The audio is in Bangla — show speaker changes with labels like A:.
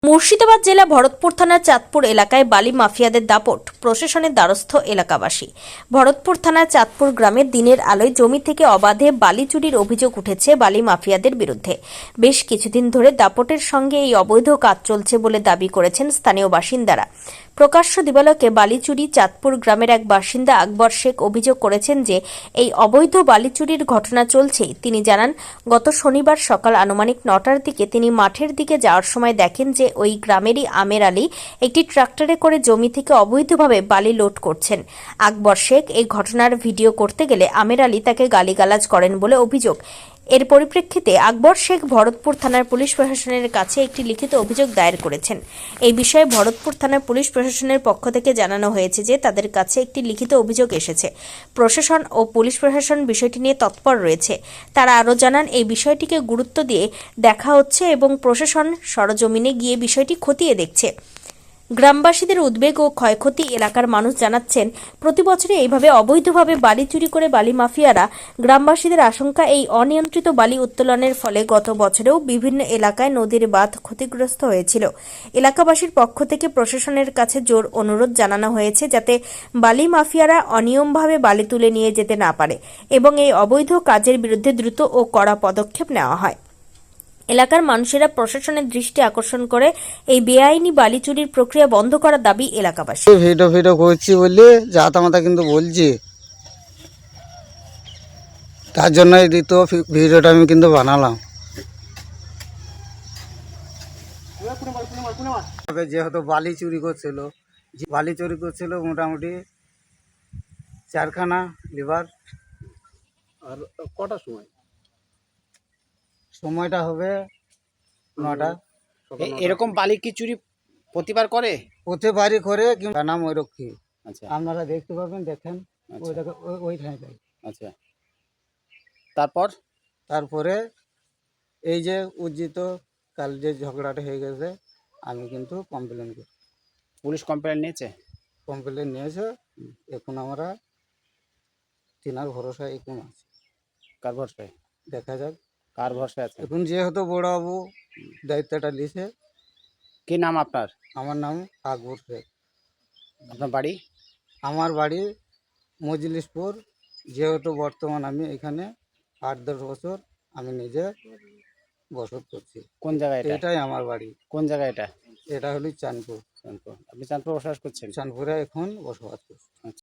A: মুর্শিদাবাদ জেলা ভরতপুর থানার চাঁদপুর এলাকায় বালি মাফিয়াদের দাপট, প্রশাসনের দ্বারস্থ এলাকাবাসী। ভরতপুর থানার চাঁদপুর গ্রামের দিনের আলোয় জমি থেকে অবাধে বালি চুরির অভিযোগ উঠেছে বালি মাফিয়াদের বিরুদ্ধে। বেশ কিছুদিন ধরে দাপটের সঙ্গে এই অবৈধ কাজ চলছে বলে দাবি করেছেন স্থানীয় বাসিন্দারা। প্রকাশ্য দিবালোকে বালি চুরি চাঁদপুর গ্রামের এক বাসিন্দা আকবর শেখ অভিযোগ করেছেন যে এই অবৈধ বালি চুরির ঘটনা চলছে। তিনি জানান, গত শনিবার সকাল আনুমানিক ৯টার দিকে তিনি মাঠের দিকে যাওয়ার সময় দেখেন যে ওই গ্রামেরই আমের আলী একটি ট্রাক্টরে করে জমি থেকে অবৈধভাবে বালি লোড করছেন। আকবর শেখ এই ঘটনার ভিডিও করতে গেলে আমের আলী তাকে গালিগালাজ করেন বলে অভিযোগ। এর পরিপ্রেক্ষিতে আকবর শেখ ভরতপুর থানার পুলিশ প্রশাসনের কাছে একটি লিখিত অভিযোগ দায়ের করেছেন। এই বিষয়ে ভরতপুর থানার পুলিশ প্রশাসনের পক্ষ থেকে জানানো হয়েছে যে তাদের কাছে একটি লিখিত অভিযোগ এসেছে। প্রশাসন ও পুলিশ প্রশাসন বিষয়টি নিয়ে তৎপর রয়েছে। তারা আরও জানান, এই বিষয়টিকে গুরুত্ব দিয়ে দেখা হচ্ছে এবং প্রশাসন সরজমিনে গিয়ে বিষয়টি খতিয়ে দেখছে। গ্রামবাসীদের উদ্বেগ ও ক্ষয়ক্ষতি এলাকার মানুষ জানাচ্ছেন, প্রতি বছরে এইভাবে অবৈধভাবে বালি চুরি করে বালি মাফিয়ারা। গ্রামবাসীদের আশঙ্কা, এই অনিয়ন্ত্রিত বালি উত্তোলনের ফলে গত বছরেও বিভিন্ন এলাকায় নদীর বাঁধ ক্ষতিগ্রস্ত হয়েছিল। এলাকাবাসীর পক্ষ থেকে প্রশাসনের কাছে জোর অনুরোধ জানানো হয়েছে যাতে বালি মাফিয়ারা অনিয়মভাবে বালি তুলে নিয়ে যেতে না পারে এবং এই অবৈধ কাজের বিরুদ্ধে দ্রুত ও কড়া পদক্ষেপ নেওয়া হয়। এলাকার মানুষেরা প্রশাসনের দৃষ্টি আকর্ষণ করে এই বেআইনি বালি চুরির প্রক্রিয়া বন্ধ করার দাবি এলাকাবাসী।
B: ভিডিও করছি বলে জাতামাতা কিন্তু বলছি, তার জন্য এই দ্বিতীয় ভিডিওটা আমি কিন্তু বানালাম। যেহেতু বালি চুরি করছিল মোটামুটি 4খানা লিভার।
C: আর কটার সময়?
B: সময়টা হবে 9টা।
C: এরকম বালি কি চুরি প্রতিবার করে?
B: প্রতিবারই করে, কিন্তু নাম ঐরক্ষী।
C: আচ্ছা
B: আপনারা দেখতে পাবেন, দেখেন ওইখানে যাই।
C: আচ্ছা,
B: তারপরে এই যে উজ্জিত কাল যে ঝগড়াটা হয়ে গেছে, আমি কিন্তু কমপ্লেন করি।
C: পুলিশ কমপ্লেন
B: নিয়েছে। এখন আমরা তিনার ভরসা এখন আছে।
C: কার ভরসায়?
B: দেখা যাক
C: কার ভরসায় আছে?
B: এখন যেহেতু বড়বাবু দায়িত্বটা নিছে।
C: কি নাম আপনার?
B: আমার নাম আকবর শেখ।
C: আপনার বাড়ি?
B: আমার বাড়ি মজলিশপুর। যেহেতু বর্তমান আমি এখানে 8-10 বছর আমি নিজে বসত করছি।
C: কোন জায়গায় এটা?
B: এটাই আমার বাড়ি।
C: কোন জায়গায় এটা?
B: এটা হলো চাঁদপুর।
C: আপনি চাঁদপুর বসবাস করছেন?
B: চাঁদপুরে এখন বসবাস করছি।